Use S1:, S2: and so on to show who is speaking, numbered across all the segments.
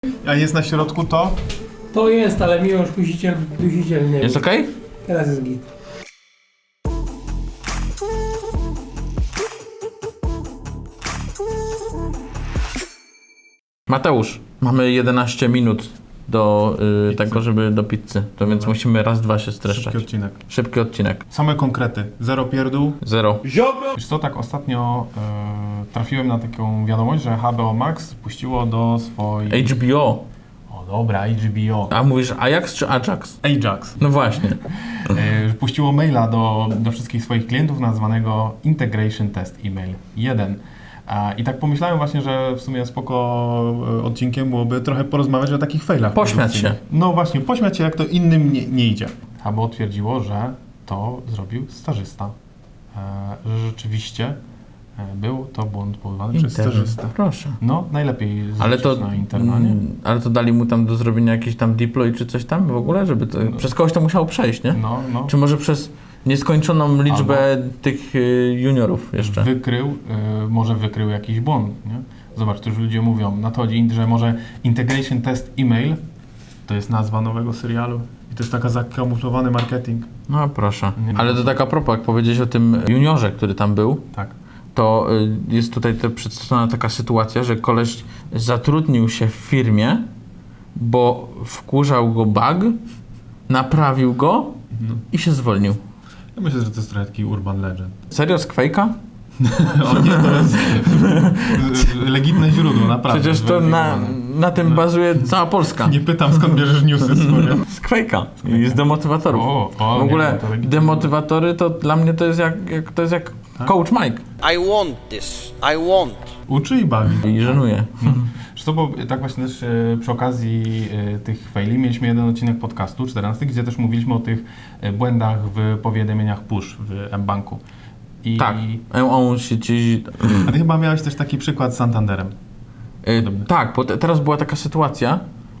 S1: A jest na środku to?
S2: To jest, ale Miłosz Dusiciel nie.
S3: Jest okej?
S2: Teraz jest git.
S3: Mateusz, mamy 11 minut do tego, żeby do pizzy. To więc musimy raz, dwa się streszczać.
S1: Szybki odcinek.
S3: Szybki odcinek.
S1: Same konkrety. Zero pierdół.
S3: 0.
S1: Wiesz co, tak ostatnio trafiłem na taką wiadomość, że HBO Max puściło do swojej...
S3: HBO.
S1: O dobra, HBO.
S3: A mówisz Ajax czy Ajax?
S1: Ajax.
S3: No właśnie.
S1: Puściło maila do wszystkich swoich klientów nazwanego Integration Test Email 1. I tak pomyślałem właśnie, że w sumie spoko odcinkiem byłoby trochę porozmawiać o takich failach.
S3: Pośmiać się.
S1: No właśnie, pośmiać się jak to innym nie idzie. HBO twierdziło, że to zrobił stażysta. Że rzeczywiście był to błąd powołany przez stażystę.
S3: Proszę.
S1: No, najlepiej
S3: Ale to,
S1: na internanie.
S3: ale to dali mu tam do zrobienia jakiś tam deploy czy coś tam w ogóle, żeby to, przez kogoś to musiało przejść, nie?
S1: No.
S3: Czy może przez nieskończoną liczbę tych juniorów jeszcze?
S1: Może wykrył jakiś błąd, nie? Zobacz, tu już ludzie mówią na to, że może Integration Test Email to jest nazwa nowego serialu i to jest taka zakamuflowany marketing.
S3: No proszę.
S1: Nie.
S3: Ale to tak a propos, jak powiedziałeś o tym juniorze, który tam był,
S1: Tak.
S3: to jest tutaj przedstawiona taka sytuacja, że koleś zatrudnił się w firmie, bo wkurzał go bug, naprawił go i się zwolnił.
S1: Ja myślę, że to jest trochę taki urban legend.
S3: Serio z Quake'a?
S1: O nie, to jest legitne źródło, naprawdę.
S3: Przecież to na tym bazuje cała Polska.
S1: Nie pytam, skąd bierzesz newsy swoje.
S3: Z Quake'a i z demotywatorów. W ogóle demotywatory to dla mnie to jest jak Coach Mike.
S4: I want this. I want.
S1: Uczy i bawi.
S3: I żenuje.
S1: Wiesz co, bo tak właśnie też przy okazji tych faili mieliśmy jeden odcinek podcastu, 14, gdzie też mówiliśmy o tych błędach w powiadomieniach push w mBanku.
S3: Tak. On się ci...
S1: A ty chyba miałeś też taki przykład z Santanderem.
S3: Tak, bo teraz była taka sytuacja,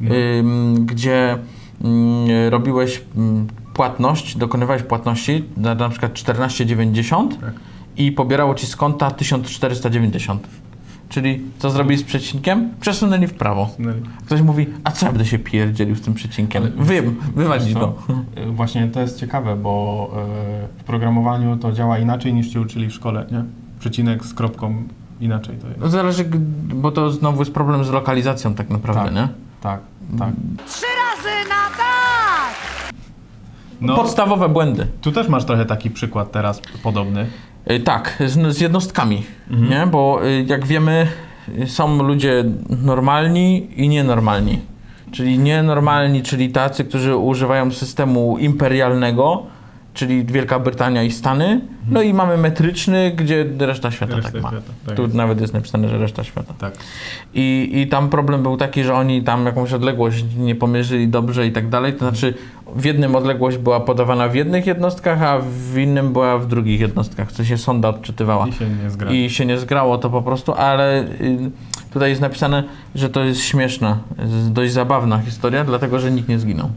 S3: gdzie robiłeś płatność, dokonywałeś płatności na przykład 14,90 i pobierało ci z konta 1490. Czyli co zrobili z przecinkiem? Przesunęli w prawo. Ktoś mówi, a co ja będę się pierdzielił z tym przecinkiem? Wywalić go.
S1: Właśnie to jest ciekawe, bo w programowaniu to działa inaczej niż cię uczyli w szkole, nie? Przecinek z kropką inaczej to jest.
S3: Zależy, bo to znowu jest problem z lokalizacją tak naprawdę, nie?
S1: Tak.
S5: 3 razy na tak!
S1: No,
S3: Podstawowe błędy.
S1: tu też masz trochę taki przykład teraz podobny.
S3: Tak, z jednostkami, nie? Bo jak wiemy, są ludzie normalni i nienormalni. Czyli nienormalni, czyli tacy, którzy używają systemu imperialnego, czyli Wielka Brytania i Stany. No i mamy metryczny, gdzie reszta świata tak ma.
S1: tak
S3: Tu
S1: jest.
S3: nawet jest napisane, że reszta świata.
S1: Tak.
S3: I tam problem był taki, że oni tam jakąś odległość nie pomierzyli dobrze i tak dalej. To znaczy w jednym odległość była podawana w jednych jednostkach, a w innym była w drugich jednostkach. Co się sonda odczytywała. I się nie zgrało to po prostu, ale tutaj jest napisane, że to jest śmieszna, dość zabawna historia, dlatego że nikt nie zginął.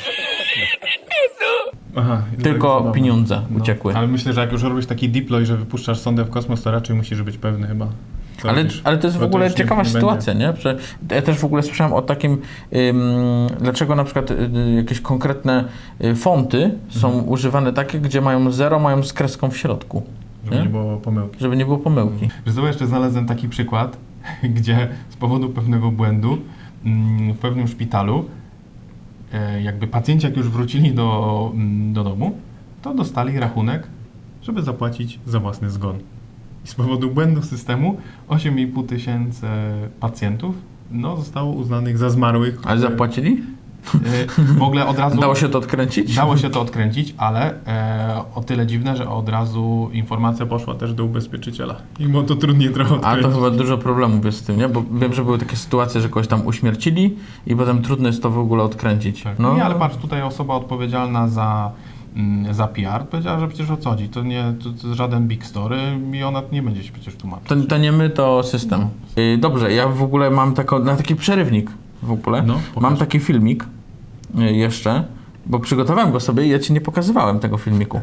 S1: Aha,
S3: Tylko pieniądze uciekły.
S1: Ale myślę, że jak już robisz taki deploy, że wypuszczasz sondę w kosmos, to raczej musisz być pewny chyba.
S3: Ale to jest w ogóle ciekawa sytuacja, nie? Że ja też w ogóle słyszałem o takim, dlaczego na przykład jakieś konkretne fonty są używane takie, gdzie mają 0, mają z kreską w środku.
S1: Żeby nie było pomyłki.
S3: Żeby nie było pomyłki.
S1: Wiesz co, jeszcze znalazłem taki przykład, gdzie z powodu pewnego błędu w pewnym szpitalu jakby pacjenci jak już wrócili do domu, to dostali rachunek, żeby zapłacić za własny zgon. I z powodu błędu systemu 8,5 tysięcy pacjentów zostało uznanych za zmarłych.
S3: Ale zapłacili?
S1: W ogóle od razu...
S3: Dało się to odkręcić?
S1: Dało się to odkręcić, ale o tyle dziwne, że od razu informacja poszła też do ubezpieczyciela. I było to trudniej trochę odkręcić.
S3: A to chyba dużo problemów jest z tym, nie? Bo wiem, że były takie sytuacje, że kogoś tam uśmiercili i potem trudno jest to w ogóle odkręcić.
S1: Tak. No nie, ale patrz, tutaj osoba odpowiedzialna za PR powiedziała, że przecież o co chodzi, to nie to żaden big story i ona nie będzie się przecież tłumaczyć.
S3: To nie my, to system. Dobrze, ja w ogóle mam taki przerywnik w ogóle. Mam taki filmik jeszcze, bo przygotowałem go sobie i ja ci nie pokazywałem tego filmiku.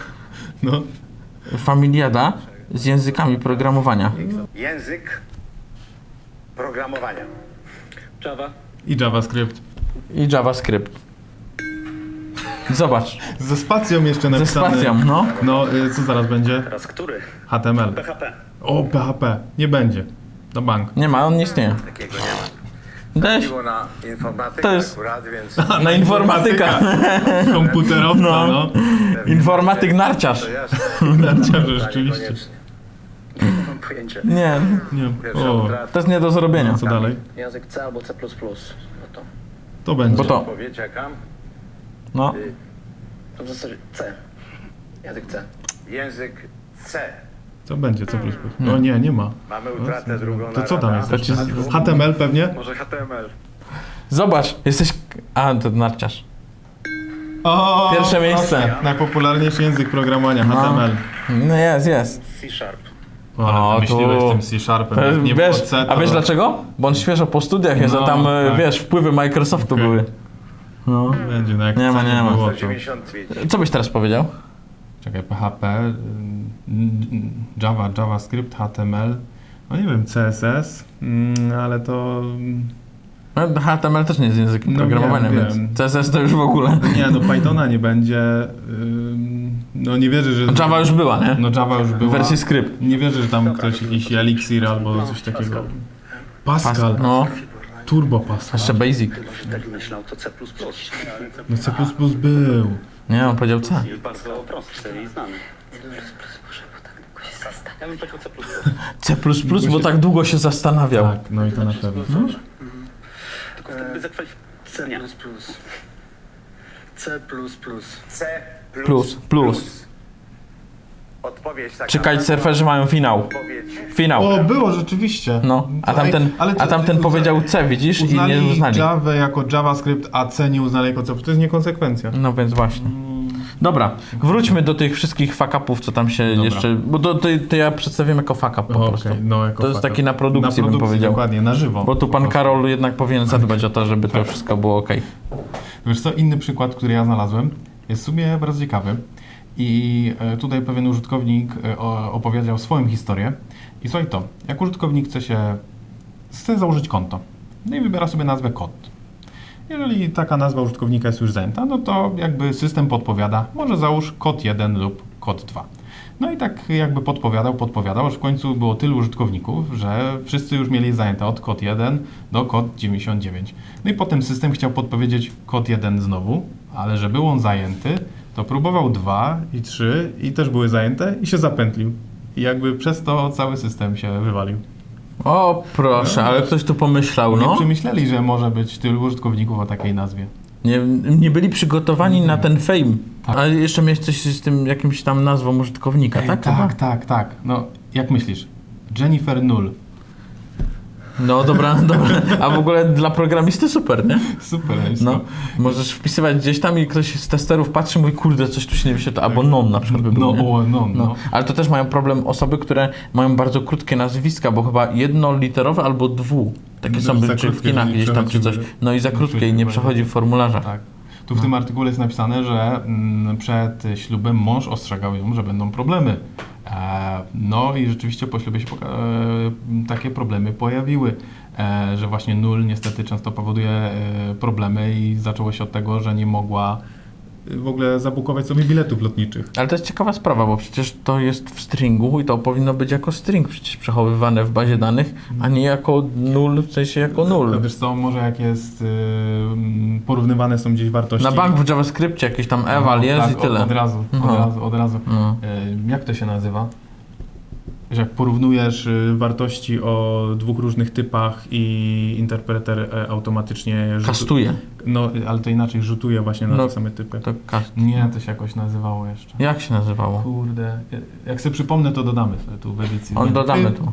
S3: Familiada z językami programowania.
S6: Język programowania.
S7: Java,
S1: I JavaScript.
S3: I JavaScript. Zobacz,
S1: Ze spacją jeszcze
S3: ze
S1: napisane.
S3: spacją, no.
S1: No, co zaraz będzie?
S6: Teraz który?
S1: HTML.
S6: PHP.
S1: O, PHP. Nie będzie. Na bank.
S3: Nie ma, on nie istnieje.
S7: Takiego nie ma.
S3: Dajesz
S7: Chodziło na informatykę
S3: To jest-
S7: akurat, więc
S3: na informatyka.
S1: Komputerowca, no.
S3: Informatyk narciarz.
S7: to jasne.
S1: Narciarze, rzeczywiście.
S7: Koniecznie.
S6: Nie mam pojęcia.
S3: Nie,
S1: Nie.
S7: Pierwsza
S1: O,
S7: utrata.
S3: to jest nie do zrobienia.
S1: co dalej?
S6: Język C albo C++. No to.
S1: To będzie.
S3: Bo to,
S7: Odpowiedź jaka?
S3: no.
S6: To w zasadzie C. Język C.
S7: Język C.
S1: Co będzie? Co plus plus? No nie, nie ma.
S7: Mamy utratę drugą
S1: To co tam jest?
S3: To ci-
S1: HTML pewnie?
S7: Może HTML.
S3: Zobacz, jesteś... A, to narciarz.
S1: O,
S3: Pierwsze miejsce.
S1: proszę. Najpopularniejszy język programowania,
S3: No.
S1: HTML.
S3: No jest.
S6: C-Sharp.
S1: O,
S3: O,
S1: myśliłeś
S3: tu.
S1: tym C-Sharpem.
S3: To jest,
S1: jak nie
S3: wiesz,
S1: było C, to...
S3: a wiesz dlaczego? Bo on świeżo po studiach jest, a
S1: No,
S3: tam,
S1: tak.
S3: wiesz, wpływy Microsoftu
S1: Okej.
S3: były. No.
S1: Będzie, no jak
S3: Nie ma,
S1: C
S3: nie ma.
S1: było, to...
S7: 195.
S3: Co byś teraz powiedział?
S1: Czekaj, PHP, Java, JavaScript, HTML, no nie wiem, CSS, ale to...
S3: No, HTML też nie jest językiem
S1: No
S3: programowania,
S1: wiem,
S3: więc
S1: wiem.
S3: CSS to już w ogóle.
S1: Nie, no Pythona nie będzie, no nie wierzę, że...
S3: Java już była, nie?
S1: No Java już
S3: W
S1: była.
S3: wersji skrypt.
S1: Nie wierzę, że tam ktoś jakiś Elixir albo coś takiego. Pascal,
S3: No,
S1: Turbo Pascal.
S3: jeszcze Basic.
S6: Tak myślał, to C++.
S1: No C++ był.
S3: Nie, on powiedział C.
S6: Bardzo prosty i znany. Ja bym powiedział C++.
S3: C++, bo tak długo się zastanawiał.
S1: Tak, no i to na pewno.
S6: Tylko wtedy zakwalifikowania.
S7: C++.
S3: Plus.
S7: Odpowiedź taka.
S3: Czy kitesurferzy mają finał?
S7: Odpowiedź.
S3: Finał.
S1: O, było rzeczywiście.
S3: No, a tamten,
S1: Ale
S3: a tamten powiedział C, widzisz, i
S1: uznali
S3: nie uznali.
S1: Java jako JavaScript, a C nie uznali jako C. To jest niekonsekwencja.
S3: No więc właśnie. Dobra, wróćmy do tych wszystkich fuck-upów, co tam się
S1: Dobra.
S3: jeszcze... Bo to ja przedstawiam jako fuck-up po prostu.
S1: Okej, no, jako
S3: To jest
S1: fuck-up.
S3: taki na produkcji, bym powiedział.
S1: Dokładnie, na żywo.
S3: Bo tu
S1: po
S3: pan
S1: prostu.
S3: Karol jednak powinien zadbać o to, żeby to wszystko było ok.
S1: Wiesz co, inny przykład, który ja znalazłem, jest w sumie bardzo ciekawy. I tutaj pewien użytkownik opowiedział swoją historię. I słuchaj to, jak użytkownik chce założyć konto, no i wybiera sobie nazwę kod. Jeżeli taka nazwa użytkownika jest już zajęta, no to jakby system podpowiada, może załóż kod 1 lub kod 2. No i tak jakby podpowiadał, aż w końcu było tylu użytkowników, że wszyscy już mieli zajęte od kod 1 do kod 99. No i potem system chciał podpowiedzieć kod 1 znowu, ale że był on zajęty, to próbował 2 i 3 i też były zajęte i się zapętlił. I jakby przez to cały system się wywalił.
S3: O proszę, ale ktoś tu pomyślał,
S1: Nie
S3: no.
S1: przemyśleli, że może być tylu użytkowników o takiej nazwie.
S3: Nie byli przygotowani na ten fame.
S1: Tak.
S3: Ale jeszcze miałeś coś z tym jakimś tam nazwą użytkownika, tak? chyba?
S1: Tak. No, jak myślisz? Jennifer Null.
S3: No dobra. A w ogóle dla programisty super, nie?
S1: Super jest
S3: No,
S1: to.
S3: możesz wpisywać gdzieś tam i ktoś z testerów patrzy i mówi, kurde, coś tu się nie wyświetla, albo non na przykład by było, nie?
S1: No.
S3: Ale to też mają problem osoby, które mają bardzo krótkie nazwiska, bo chyba jednoliterowe albo takie
S1: No,
S3: są
S1: za
S3: czy w
S1: krótkie,
S3: kinach
S1: że nie
S3: gdzieś tam czy coś.
S1: przechodzi-
S3: No i za krótkie i nie przechodzi w formularzach.
S1: Tak. Tu w tym artykule jest napisane, że przed ślubem mąż ostrzegał ją, że będą problemy. No i rzeczywiście po ślubie się takie problemy pojawiły, że właśnie nul niestety często powoduje problemy i zaczęło się od tego, że nie mogła w ogóle zabukować sobie biletów lotniczych.
S3: Ale to jest ciekawa sprawa, bo przecież to jest w stringu i to powinno być jako string przecież przechowywane w bazie danych, a nie jako null, w sensie jako null.
S1: Wiesz co, może jak jest porównywane są gdzieś wartości.
S3: Na bank w JavaScriptie jakieś tam eval jest
S1: tak,
S3: i tyle.
S1: Od razu.
S3: No.
S1: Jak to się nazywa? Że jak porównujesz wartości o dwóch różnych typach i interpreter automatycznie
S3: Kastuje.
S1: No, ale to inaczej rzutuje właśnie na
S3: No,
S1: te same typy.
S3: To cast.
S1: Nie, to się jakoś nazywało jeszcze.
S3: Jak się nazywało?
S1: Kurde, jak sobie przypomnę, to dodamy sobie tu w edycji.
S3: Dodamy tu.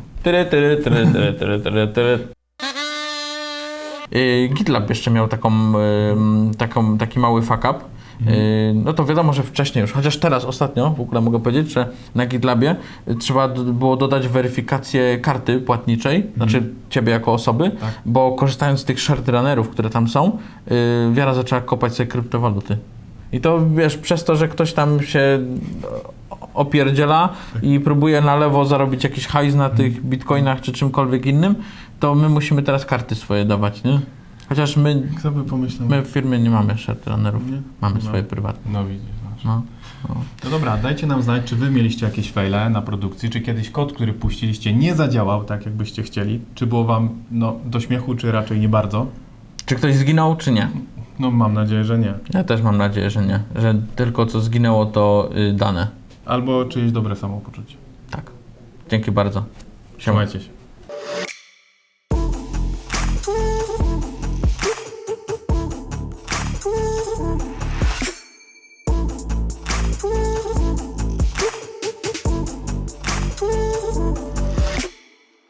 S3: GitLab jeszcze miał taki mały fuck up. No to wiadomo, że wcześniej już, chociaż teraz ostatnio w ogóle mogę powiedzieć, że na GitLabie trzeba było dodać weryfikację karty płatniczej, znaczy ciebie jako osoby,
S1: Tak.
S3: bo korzystając z tych shared runnerów, które tam są, Wiara zaczęła kopać sobie kryptowaluty. I to wiesz, przez to, że ktoś tam się opierdziela i próbuje na lewo zarobić jakiś hajs na tych bitcoinach czy czymkolwiek innym, to my musimy teraz karty swoje dawać, nie? Chociaż my
S1: Kto by pomyślał?
S3: w firmie nie mamy share trenerów.
S1: Nie?
S3: Mamy
S1: No.
S3: swoje prywatne.
S1: No widzisz. Masz.
S3: No.
S1: No dobra, dajcie nam znać, czy wy mieliście jakieś fejle na produkcji, czy kiedyś kod, który puściliście, nie zadziałał tak, jakbyście chcieli. Czy było wam do śmiechu, czy raczej nie bardzo?
S3: Czy ktoś zginął, czy nie?
S1: No mam nadzieję, że nie.
S3: Ja też mam nadzieję, że nie. Że tylko co zginęło to dane.
S1: Albo czyjeś dobre samopoczucie.
S3: Tak. Dzięki bardzo. Siema.
S1: Trzymajcie się.